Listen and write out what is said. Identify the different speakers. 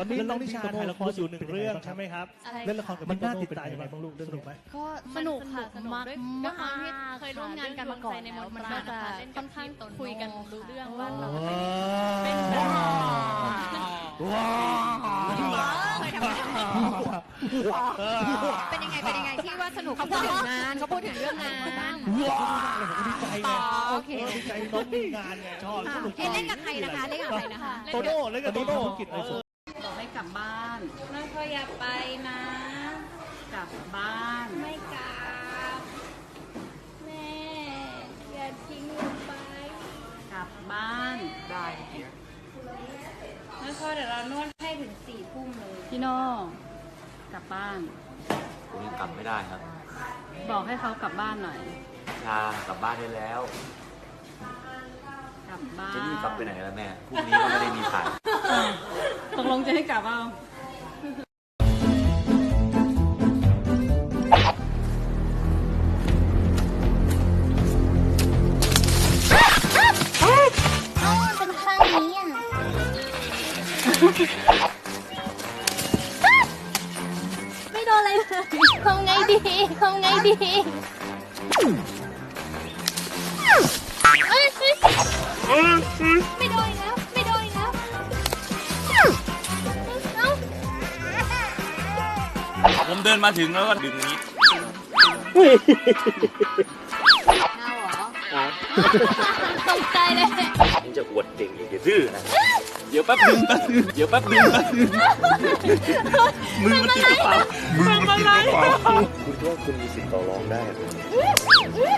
Speaker 1: อนนี้น้องนิชาถ่ายละครอยู่1 เรื่องใช่ไหมครับ
Speaker 2: อะไร
Speaker 1: เล่นละครกับมันน่าติดตามยังไงบ้างลูกสนุกไหม
Speaker 2: ก็สนุกค่ะสนุกด้วยความที่เคยร่วมงานกันมาก่อนแล้วมันก็จะค่อนข้างคุยกันรู้เรื่องว่าเราเป็นแบบเป็นยังไงที่ว่าสนุกเขาพูดถึงงานเขาพูดถึงเรื่องงาน
Speaker 1: ดีใจไง
Speaker 2: โอเค
Speaker 1: ดีใจน้องมีงานไงชอบสนุก
Speaker 2: เล่นกับใครนะคะเล่นกับใครนะคะ
Speaker 1: โตโน่เล่นกับโตโน่กิจอะไรสุด
Speaker 3: บอกให้กลับบ้าน
Speaker 2: น้องเขาอยากไปนะ
Speaker 3: กลับบ้าน
Speaker 2: ไม่กลับแม่อย่าทิ้งหนูไป
Speaker 3: กลับบ้าน
Speaker 4: ได้เมื่อกี้
Speaker 2: น้องเขาเดี๋ยวเรานวดให้ถึง4 ทุ่มเลย
Speaker 3: พี่โน่กลับบ้าน
Speaker 4: ผมยังกลับไม่ได้ครับ
Speaker 3: บอกให้เขากลับบ้านหน่อย
Speaker 4: ชากลับบ้านได้แล้ว
Speaker 3: กลับบ้าน
Speaker 4: จะรีบกลับไปไหนล่ะแม่พรุ่งนี้ก็ไม่ได้มีถ่าย
Speaker 3: ตกลงจะให้กลับเอา
Speaker 5: เป็นข้างนี้อ่ะไม่โดนอะไรเลยทำไงดีทำไงดีไม่โดนแล้วไม่โดนแล้วเอ้า
Speaker 6: ผมเดินมาถึงแล้วก็ดึงนี้
Speaker 5: ตกใจเลย
Speaker 4: มึงจะอวดเก่งอีกเดี๋ยวดื้อนะ
Speaker 6: เดี๋ยวแป๊บนึงเดี๋ยวแป๊บนึงมือมันติดกระเป๋ามือมันติดกระเป๋า
Speaker 4: คุณคิดว่าคุณมีสิทธิ์ต่อรองได้